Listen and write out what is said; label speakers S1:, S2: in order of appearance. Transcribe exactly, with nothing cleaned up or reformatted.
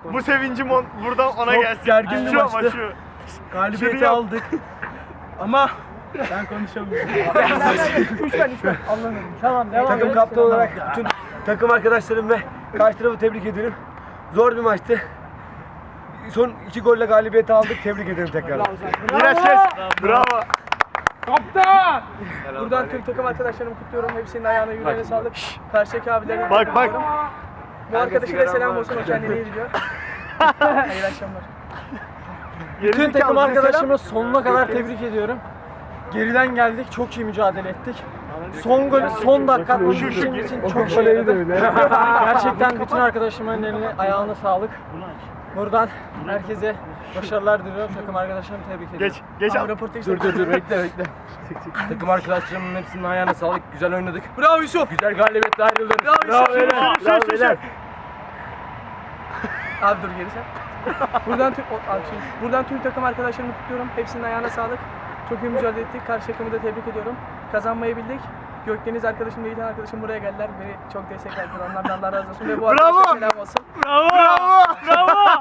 S1: Bu sevincim on, buradan ona
S2: Çok
S1: gelsin.
S2: gergin bir
S1: Şu ama
S2: maçtı.
S1: şu.
S2: Galibiyeti
S1: Şunu yap.
S2: aldık. Ama ben konuşamıyorum.
S3: Üçten üçten. Anlamadım. Tamam devam
S4: Takım
S3: et.
S4: kaptanı olarak bütün takım arkadaşlarım ve karşı tarafı tebrik ediyorum. Zor bir maçtı. Son iki golle galibiyeti aldık. Tebrik ederim tekrar.
S1: Miraç kes. Bravo.
S3: Kaptan! Buradan tüm takım arkadaşlarımı kutluyorum. Hepsinin ayağına yüreğine sağlık. Karşıdaki abilerine
S1: Bak bak.
S3: Bu arkadaşıyla selam olsun. O kendini iyi biliyor. Hayırlı akşamlar.
S2: Bütün takım
S1: Gerizekalı,
S2: arkadaşımı sonuna kadar tebrik ediyorum. Geriden geldik, çok iyi mücadele ettik. Son gol, son dakika atmak
S1: Şu, şu,
S2: bizim için
S4: o
S2: çok
S4: goleyi
S2: şey
S4: de
S2: yaradı.
S4: öyle.
S2: Gerçekten bütün arkadaşımın eline, ayağına sağlık. Buradan herkese başarılar diliyorum. Takım arkadaşlarımı tebrik ediyorum.
S1: Geç. Geç al.
S4: Dur dur dur bekle bekle. Takım arkadaşlarımın hepsinin ayağına sağlık. Güzel oynadık.
S3: Bravo Yusuf.
S4: Güzel galibiyetle ayrıldık.
S3: Bravo Yusuf.
S1: Bravo,
S3: Bravo,
S1: şu, şu, şu,
S3: beyler. Abi dur geri sen. Buradan tüm o, abi şimdi, buradan tüm takım arkadaşlarımı kutluyorum. Hepsinin ayağına sağlık. Çok iyi mücadele ettik. Karşı takımı da tebrik ediyorum. Kazanmayı bildik. Gökdeniz arkadaşım ve Yiğiten arkadaşım buraya geldiler. Beni çok desteklerdiler. Onlardan Allah razı olsun. Ve bu
S1: Bravo.
S3: arkadaşlar selam olsun.
S1: Bravo. Bravo. Bravo.